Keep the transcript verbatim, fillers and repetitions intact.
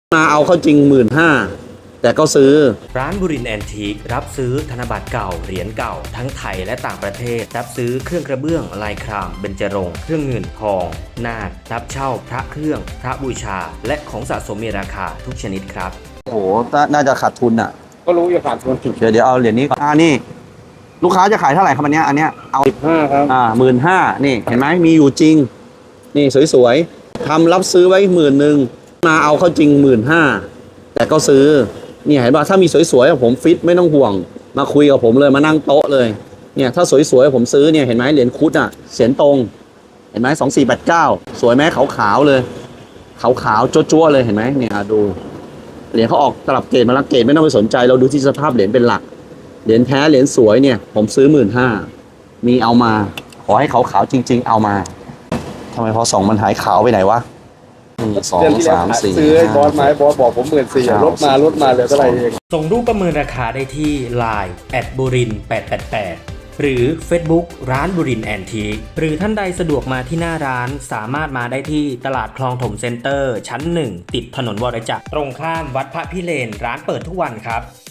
มาเอาเข้าจริงหมื่นห้าแต่ก็ซื้อร้านบุรินทร์แอนทีครับซื้อธนบัตรเก่าเหรียญเก่าทั้งไทยและต่างประเทศรับซื้อเครื่องกระเบื้องลายครามเบญจรงค์เครื่องเงินทองนาครับเช่าพระเครื่องพระบูชาและของสะสมมีราคาทุกชนิดครับโอ้โหน่าจะขาดทุนอ่ะก็รู้อยู่ขาดทุนเดี๋ยวเดี๋ยวเอาเหรียญนี้ก่อนอ่านี่ลูกค้าจะขายเท่าไหร่ครับอันเนี้ยอันเนี้ยเอาสิบห้าครับอ่าหมื่นห้านี่เห็นไหมมีอยู่จริงนี่สวยๆทำรับซื้อไว้หมื่นหนึ่งมาเอาเข้าจริงหมื่นห้าแต่ก็ซื้อเนี่ยเห็นป่ะถ้ามีสวยๆผมฟิตไม่ต้องห่วงมาคุยกับผมเลยมานั่งโต๊ะเลยเนี่ยถ้าสวยๆผมซื้อเนี่ยเห็นไหมเหรียญคุดอ่ะเสียนตรงเห็นไหมสองสี่แปดเก้าสวยไหมขาวๆเลยขาวๆจั๊วๆเลยเห็นไหมเนี่ยดูเหรียญเขาออกตลับเกรดมาแล้วเกรดไม่ต้องไปสนใจเราดูที่สภาพเหรียญเป็นหลักเหรียญแท้เหรียญสวยเนี่ยผมซื้อหมื่นห้ามีเอามาขอให้ขาวๆจริงๆเอามาทำไมพอสองมันหายขาวไปไหนวะหนึ่งสองสามสี่ซื้อไอ้บอสไม้บอสบอกผมหมื่นสี่ลดมาลดมาเหลือเท่าไหร่เองส่งรูปประเมินราคาได้ที่ ไลน์ แอท บุรินทร์แปดแปดแปด หรือ Facebook ร้านบุรินทร์แอนทีหรือท่านใดสะดวกมาที่หน้าร้านสามารถมาได้ที่ตลาดคลองถมเซ็นเตอร์ชั้นหนึ่งติดถนนวรจักรตรงข้ามวัดพระพิเรนร้านเปิดทุกวันครับ